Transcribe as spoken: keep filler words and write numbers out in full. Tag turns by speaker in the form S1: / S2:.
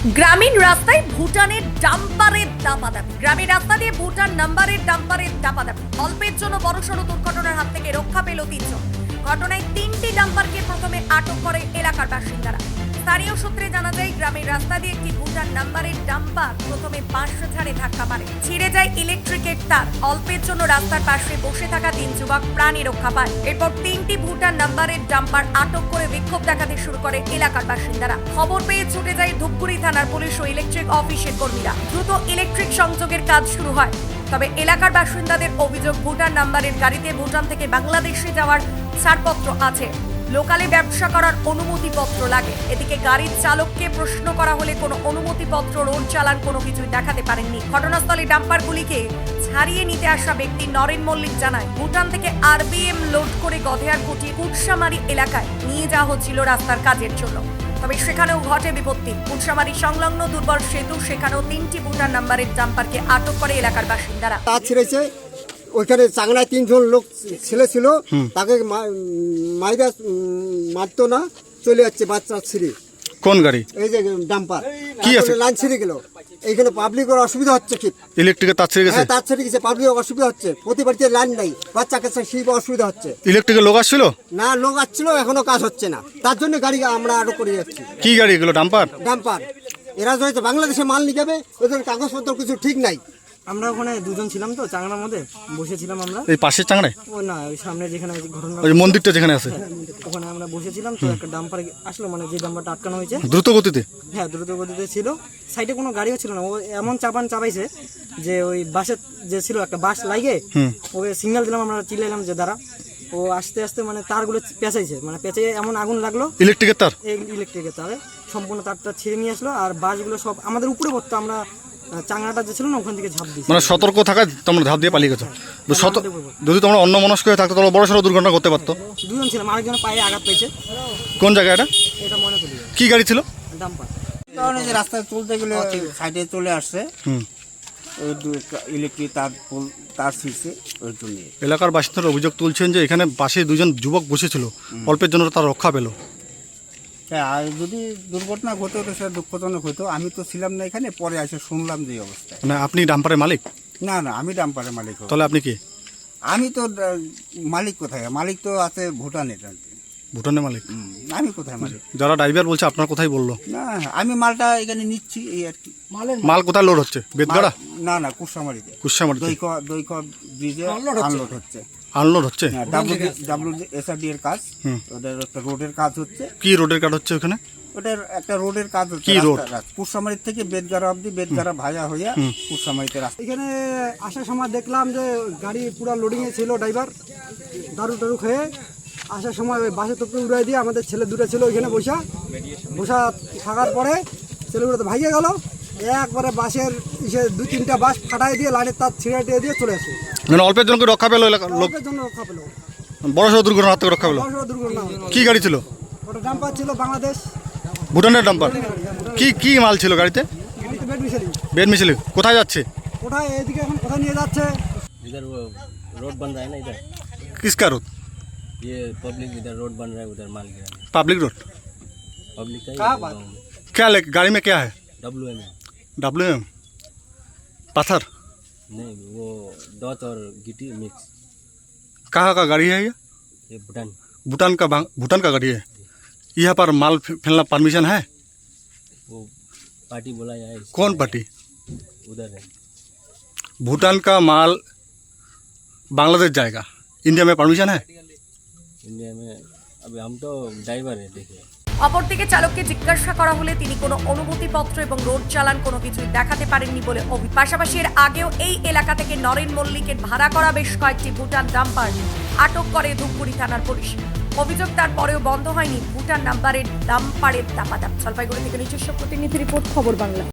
S1: গ্রামীণ রাস্তায় ভুটানের ডাম্পারের দাপাদাপি। গ্রামীণ রাস্তা দিয়ে ভুটান নাম্বারের ডাম্পারের দাপাদাপি। অল্পের জন্য বড়সড় দুর্ঘটনার হাত থেকে রক্ষা পেল তিনজন। ঘটনায় তিনটি ডাম্পারকে প্রথমে আটক করে এলাকার বাসিন্দারা। স্থানীয় সূত্রে জানা যায়, গ্রামের রাস্তা দিয়ে একটি ভুটান নাম্বারের ডাম্পার প্রথমে পাঁচশো ঝাড়ে ধাক্কা মারে, ছিঁড়ে যায় ইলেকট্রিকের তার। অল্পের জন্য রাস্তার পাশে বসে থাকা তিন যুবক প্রাণী রক্ষা পায়। এরপর তিনটি ভুটান নাম্বারের ডাম্পার আটক করে বিক্ষোভ দেখাতে শুরু করে এলাকার বাসিন্দারা। খবর পেয়ে ছুটে যায় ধূপগুড়ি থানার পুলিশ ও ইলেকট্রিক অফিসের কর্মীরা। দ্রুত ইলেকট্রিক সংযোগের কাজ শুরু হয়। তবে এলাকার বাসিন্দাদের অভিযোগ, ভুটান নাম্বারের গাড়িতে ভুটান থেকে বাংলাদেশে যাওয়ার ছাড়পত্র আছে, লোকালে ব্যবসা করার অনুমতিপত্র লাগে। এদিকে গাড়ির চালককে প্রশ্ন করা হলে কোনো অনুমতিপত্র, রোড চালান কোনো কিছুই দেখাতে পারেননি। ঘটনাস্থলে ডাম্পারগুলিকে ছাড়িয়ে নিতে আসা ব্যক্তি নরেন মল্লিক জানায়, ভুটান থেকে আরবিএম লোড করে গধেয়ারকুটি কুটসামারি এলাকায় নিয়ে যাওয়া হচ্ছিল রাস্তার কাজের জন্য। তবে সেখানেও ঘটে বিপত্তি। কুটসামারি সংলগ্ন দুর্বল সেতু, সেখানেও তিনটি ভুটান নাম্বারের ডাম্পারকে আটক করে এলাকার বাসিন্দারা।
S2: ওইখানে চাংড়ায় তিনজন লোক ছেলে ছিল, তাকে মাইরা মারতো না, চলে যাচ্ছে বাচ্চা ছিঁড়ে।
S3: কোন গাড়ি?
S2: এই যে ডাম্পার
S3: কি আছে,
S2: লাইন ছিঁড়ে গেল। এইখানে পাবলিকের অসুবিধা হচ্ছে, কি
S3: ইলেকট্রিকের তার ছিঁড়ে গেছে।
S2: হ্যাঁ, তার ছিঁড়ে গেছে, পাবলিকের অসুবিধা হচ্ছে। প্রতি বাড়িতে লাইন নাই, বাচ্চা কাছে সেই অসুবিধা হচ্ছে।
S3: ইলেকট্রিকের লোক আসছিল
S2: না, লোক আসছিল, এখনো কাজ হচ্ছে না। তার জন্য গাড়ি আমরা আরো করে যাচ্ছি।
S3: কি গাড়ি এগুলো? Dumper
S2: dumper. এরা হয়তো বাংলাদেশে মাল নিয়ে যাবে, ওদের কাগজপত্র কিছু ঠিক নাই।
S4: আমরা ওখানে দুজন ছিলাম, তো চাংড়ার মধ্যে বসেছিলাম আমরা।
S3: এই পাশের চাংড়ায়?
S4: ও না, ওই সামনে যেখানে ঘটনা,
S3: ওই মন্দিরটা যেখানে আছে,
S4: ওখানে আমরা বসেছিলাম। তো একটা ডাম্পার আসলো, মানে যে ডাম্পারটা আটকানো হয়েছে
S3: দ্রুত গতিতে।
S4: হ্যাঁ, দ্রুত গতিতে ছিল। সাইডে কোনো গাড়িও ছিল না। ও এমন চাপান চাপাইছে যে ওই বাসের যে ছিল একটা বাস লাগে, ওকে সিগন্যাল দিলাম, আমরা চিল্লাইলাম যে দাঁড়া। ও আস্তে আস্তে মানে তারগুলো পেঁচাইছে, মানে পেঁচে এমন আগুন লাগলো,
S3: ইলেকট্রিকের তার,
S4: এই ইলেকট্রিকের তারে সম্পূর্ণ তারটা ছিঁড়ে নিয়ে আসলো। আর বাসগুলো সব আমাদের উপরে পড়তো। আমরা চাংড়াটা যে ছিল না, ওখান থেকে ঝাঁপ দিয়েছি।
S3: মানে সতর্ক থাকা, তোমরা ধাপ দিয়ে পালিয়ে গেছো। যদি তোমরা অন্য মনস্ক হয়ে থাকতো তাহলে বড় সড়ো দুর্ঘটনা করতে পারতো।
S4: দুজন ছিলাম, আরেকজন পায়ে আঘাত পেয়েছে।
S3: কোন জায়গা এটা?
S4: এটা মনে করি
S3: কি গাড়ি ছিল?
S4: ডাম্পার।
S5: কারণ এই যে রাস্তায় চলতে গেলে সাইডে চলে আসছে, ওই ইলেকট্রিক তার তার ছিঁড়ছে, ওই জন্য।
S3: এলাকার বাসিন্দারা অভিযোগ তুলছেন যে এখানে পাশে দুজন যুবক বসেছিল, অল্পের জন্য তার রক্ষা পেল।
S5: হ্যাঁ, আর যদি দুর্ঘটনা ঘটে তো সেটা দুঃখজনক হতো। আমি তো ছিলাম না এখানে, পরে এসে শুনলাম যে অবস্থা।
S3: মানে আপনি ডাম্পারের মালিক?
S5: না না, আমি ডাম্পারের মালিক।
S3: তাহলে আপনি কি?
S5: আমি তো মালিক কোথায়? মালিক তো আছে ভুটানের।
S3: ভুটানের মালিক?
S5: আমি কোথায় মালিক?
S3: যারা ড্রাইভার বলছে আপনার কোথায় বললো?
S5: না, আমি মালটা এখানে নিচ্ছি, এই আর কি।
S3: মাল কোথায় লোড হচ্ছে? বেদগাড়া?
S5: না না, কুটসামারিতে।
S3: কুটসামারিতে
S5: দৈক দৈক ব্রিজে আনলোড হচ্ছে।
S3: আনলোড হচ্ছে?
S5: ডাব্লিউ এস আর ডি এর কাজ, ওদের একটা রোডের কাজ হচ্ছে।
S3: কি রোডের কাজ হচ্ছে ওখানে?
S5: ওটার একটা রোডের কাজ হচ্ছে।
S3: কি রোড?
S5: কুটসামারি থেকে বেদগাড়া অব্দি, বেদগাড়া ভাজা হইয়া কুটসামারিতে রাস্তা।
S4: এখানে আসার সময় দেখলাম যে গাড়ি পুরো লোডিংয়ে ছিল, ড্রাইভার দারু টারু খেয়ে আসার সময় ওই বাসের তোপকে উড়াই দিয়ে আমাদের ছেলে দুটো ছিল ওইখানে বসা বসা থাকার পরে ছেলেগুলো তো ভাইয়ে গেল। একবারে বাসের ইসে দুই তিনটা বাস ফাটাই দিয়ে লাইনের তার ছিঁড়ে টিয়ে দিয়ে চলে আসে।
S3: মানে অল্পের জন্য রক্ষা পেলো এলাকার লোক?
S4: অল্পের জন্য রক্ষা পেলো,
S3: বড় সড়ো দুর্ঘটনা হাত থেকে রক্ষা পেলো।
S4: বড় সড়ো দুর্ঘটনা।
S3: কি গাড়ি ছিল?
S4: ওটা ডাম্পার ছিল, বাংলাদেশ
S3: ভুটানের ডাম্পার। কি কি মাল ছিল গাড়িতে?
S4: বেড মিশালি।
S3: বেড মিছিল কোথায় যাচ্ছে?
S4: কোথায় এদিকে এখন কোথায় নিয়ে যাচ্ছে?
S6: इधर वो रोड बन रहा है ना, इधर
S3: किसका रोड?
S6: ये पब्लिक इधर रोड बन रहा है, उधर माल गिरा है।
S3: Public road?
S6: पब्लिक का
S4: कहाँ
S6: ही
S4: बात?
S6: गाँव में
S3: क्या ले गाड़ी में क्या है?
S6: डब्ल्यू एम है।
S3: डब्ल्यू एम पत्थर?
S6: नहीं, वो दौत और गिट्टी मिक्स।
S3: कहाँ का गाड़ी है ये?
S6: ये भूटान
S3: भूटान का भांग- भूटान का गाड़ी है। यहाँ पर माल फे- फैलना परमिशन है?
S6: वो पार्टी बोला जाए इसको।
S3: कौन पार्टी?
S6: उधर है।
S3: भूटान का माल बांग्लादेश जाएगा, इंडिया में परमिशन है?
S6: इंडिया में अभी हम तो ड्राइवर है, देखिए।
S1: অপরদিকে চালককে জিজ্ঞাসা করা হলে তিনি কোনো অনুমতিপত্র এবং রোড চালান কোনো কিছুই দেখাতে পারেননি বলে অভিযোগ। পাশাপাশি এর আগেও এই এলাকা থেকে নরেন মল্লিকের ভাড়া করা বেশ কয়েকটি ভুটান ডাম্পার আটক করে ধূপগুড়ি থানার পুলিশ। অভিযোগ তারপরেও বন্ধ হয়নি ভুটান নাম্বারের ডাম্পারের দাপাদাপ। জলপাইগুড়ি থেকে নিজস্ব প্রতিনিধি রিপোর্ট, খবর বাংলা।